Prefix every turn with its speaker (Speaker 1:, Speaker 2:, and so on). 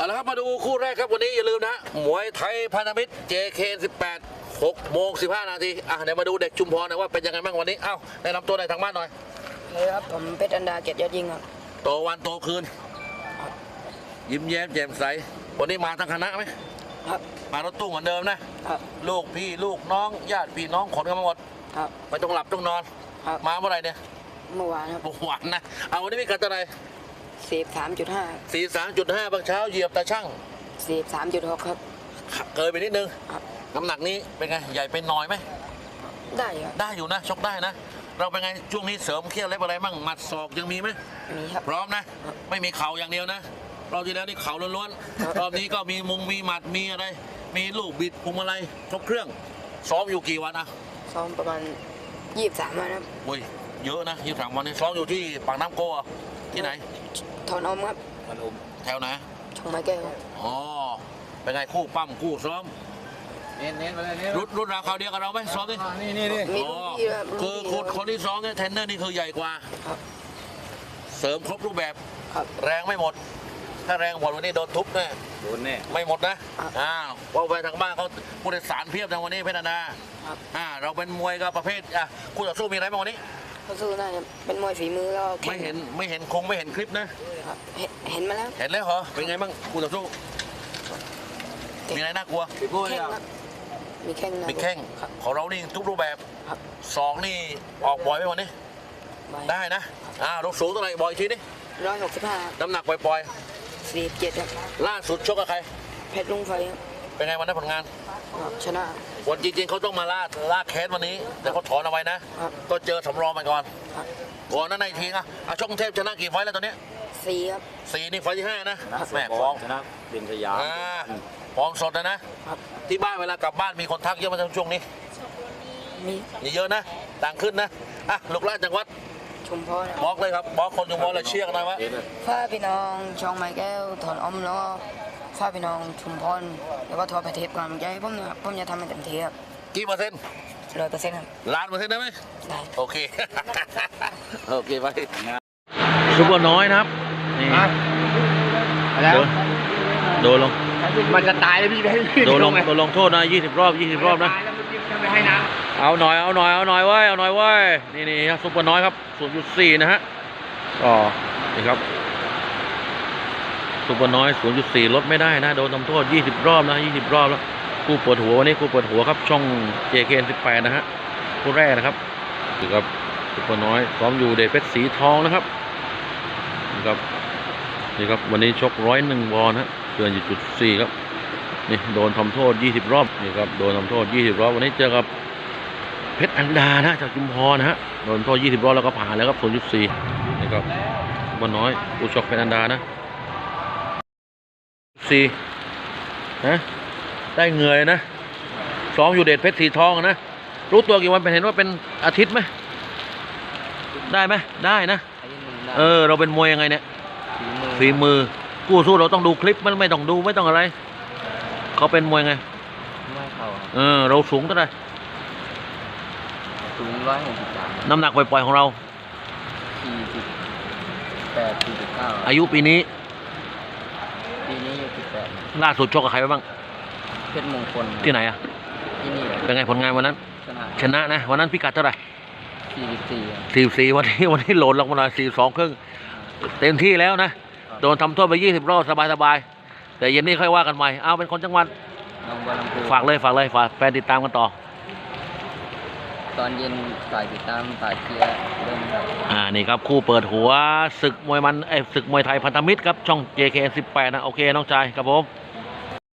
Speaker 1: ละครับมาดูคู่แรกครับวันนี้อย่าลืมนะมวยไทยพันธมิตร JK18 6:15 นาทีเดี๋ยวมาดูเด็กชุมพรนะว่าเป็นยังไงบ้างวันนี้แนะนำตัวในทางบ้านหน่อย
Speaker 2: เลยครับผมเพชรอันดาเกียรติยอดยิ่งครับ
Speaker 1: โตวันโตคืนยิ้มแย้มแจ่มใสวันนี้มาทั้งคณะไหม
Speaker 2: ครับ
Speaker 1: มารถตู้เหมือนเดิมนะครับลูกพี่ลูกน้องญาติพี่น้องขนกันมาหมด
Speaker 2: ครับ
Speaker 1: ไม่ต้องหลับต้องนอนมาเมื่อไหร่เนี่ย
Speaker 2: เมื่อวานครับ
Speaker 1: เมื่อวานนะวันนี้มีกัดอะไร
Speaker 2: 43.5
Speaker 1: บางเช้าเหยียบตาช่าง
Speaker 2: 43.6ครับ
Speaker 1: เกินไปนิดนึงน้ำหนักนี้เป็นไงใหญ่เป็นน้อยไหม
Speaker 2: ได้ครับ
Speaker 1: ได้อยู่นะชกได้นะเราเป็นไงช่วงนี้เสริมเคี่ยวเล็บอะไรมั่งหมัดศอกยังมีไหม
Speaker 2: มีครับ
Speaker 1: พร้อมนะไม่มีเข่าอย่างเดียวนะรอบที่แล้วนี่เข่าล้วนๆรอบนี้ก็มีมุงมีหมัดมีอะไรมีลูกบิดพวงมาลัยครบเครื่องซ้อมอยู่กี่วัน
Speaker 2: ซ้อมประมาณ23วันครับ
Speaker 1: อุ้ยเยอะนะ23วันนี้ซ้อมอยู่ที่ปากน้ำโกที่ไหน
Speaker 2: ถอนอมครับ
Speaker 1: ถอนอมแถวไหน
Speaker 2: ช่องไม้แก้ว
Speaker 1: เป็นไงคู่ปั้มคู่ซ้อม
Speaker 3: เน้นไปเลยเน้น
Speaker 1: รุ่นราวคราวเดียวกับเราไหมซ้อมดิ
Speaker 3: นี่
Speaker 1: คือคนที่ซ้อมเนี่ยเทรนเนอร์นี่คือใหญ่กว่าเสริมครบรูปแบบแรงไม่หมดถ้าแรงหมดวันนี้โดนทุบแน่
Speaker 3: โดนแน่
Speaker 1: ไม่หมดนะว่าไปทางบ้านเขาผู้โดยสารเพียบทางวันนี้เพชรนาเราเป็นมวยก็ประเภทคู่ต่อสู้มีอะไรบ้างวันนี้
Speaker 2: คู่สู้น่าจะเป็นมวยฝีมือแล้ว
Speaker 1: ไม่เห็นไม่เห็นคลิปนะ
Speaker 2: เห็นมาแล้ว
Speaker 1: เห็นแล้วเหรอเป็นไงบ้างคู่ต่อสู้มีอะไรน่ากลัว
Speaker 2: มีแข้ง
Speaker 1: ของเรานี่ทุกรูปแบบสองนี่ออกบ่อยไหมวันนี้ได้นะรถสูงเท่าไหร่บ่อยทีนี่
Speaker 2: 165
Speaker 1: น้ำหนักปล่อย
Speaker 2: 47ครับ
Speaker 1: ล่าสุดชกกับใคร
Speaker 2: เพชรลุงไฟ
Speaker 1: เป็นไงวันนั้นผลงาน
Speaker 2: ชนะ
Speaker 1: วันจริงๆเขาต้องมาล่าแคสวันนี้แต่เขาถอนเอาไว้นะก็เจอสำรองมาก่อนนั้นในทีชกกรุงเทพชนะกี่ไฟแล้วตอนนี้
Speaker 2: 4ครับ
Speaker 1: 4นี่ไฟที่5นะแม่
Speaker 3: ฟ้องชนะเด่นสยาม
Speaker 1: ฟ้องสดนะที่บ้านเวลากลับบ้านมีคนทักเยอะมาช่วงนี้มีเยอะนะต่างขึ้นนะลูกหลานจังหวัด
Speaker 2: ชุมพร
Speaker 1: บอกเลยครับบอกคนชุมพรเลยเชียร์กันหน่อยวะ
Speaker 2: ฝ้าพี่น้องช่องไม้แก้วถอนอมแล้วก็ฝ้าพี่น้องชุมพรแล้วก็ทัวร์ประเทศกำลังใจผมจะทำให้เต็มที่ครับ
Speaker 1: กี่เปอร์เซ็นต์
Speaker 2: 100%ครับ
Speaker 1: 1,000,000%ได้ไหม
Speaker 2: ได้
Speaker 1: โอเคไปซุปเปอร์น้อยนะครับนี่โดนลง
Speaker 3: มันจะตายเลยพี่
Speaker 1: โดนลงโทษนะ20 รอบนะเอาหน่อยเว้ยนี่ครับซุปเปอร์น้อยครับ 0.4 นะฮะนี่ครับซุปเปอร์น้อย 0.4 ลดไม่ได้นะโดนทำโทษ20 รอบนะ20 รอบแล้วคู่ปวดหัววันนี้คู่ปวดหัวครับช่อง JK18 นะฮะคู่แรกนะครับนี่ครับซุปเปอร์น้อยซ้อมอยู่เดชเพชรสีทองนะครับนี่ครับวันนี้ชก101 วอนฮะเกิน4.4 ครับนี่โดนทำโทษ20 รอบนี่ครับโดนทำโทษ20 รอบวันนี้เจอกับเพชรอันดานะจากชุมพรนะฮะโดนโทษ20 รอบแล้วก็ผ่านแล้วครับ 0.4 นี่ครับมันน้อยผู้ชกเพชรอันดานะ4นะได้เงยนะซ้อมอยู่เดชเพชรสีทองนะรู้ตัวกี่วันเป็นเห็นว่าเป็นอาทิตย์ไหมได้ไหมได้นะเราเป็นมวยยังไงเนี่ยฝีมือกู้สู้เราต้องดูคลิปมันไม่ต้องดูไม่ต้องอะไรเขาเป็นมวยไง
Speaker 2: ไม่เข่า
Speaker 1: เราสูงเท่าไหร่
Speaker 2: สูง163
Speaker 1: น้ำหนักปล่อยๆของเรา
Speaker 2: 48-49
Speaker 1: อายุปีนี้
Speaker 2: 18
Speaker 1: ล่าสุดชกกับใครไปบ้าง
Speaker 2: เพชรมงคล
Speaker 1: ที่ไหน
Speaker 2: ที่นี่
Speaker 1: เป็นไงผลงานวันนั้นชนะนะวันนั้นพิกัดเท่าไหร่44วันนี้โหลดลงมาหน่อย42 ครึ่งเต็มที่แล้วนะโดนทำโทษไป20 รอบสบายๆแต่เย็นนี้ค่อยว่ากันใหม่เป็นคนจังหวัดฝากเลยฝากแฟนติดตามกันต่อ
Speaker 2: ตอนเย็นฝ่ายติดตามฝ่ายเชียร์เริ่ม
Speaker 1: นี่ครับคู่เปิดหัวศึกมวยไทยพันธมิตรครับช่อง JK18 นะโอเคน้องชายครับผม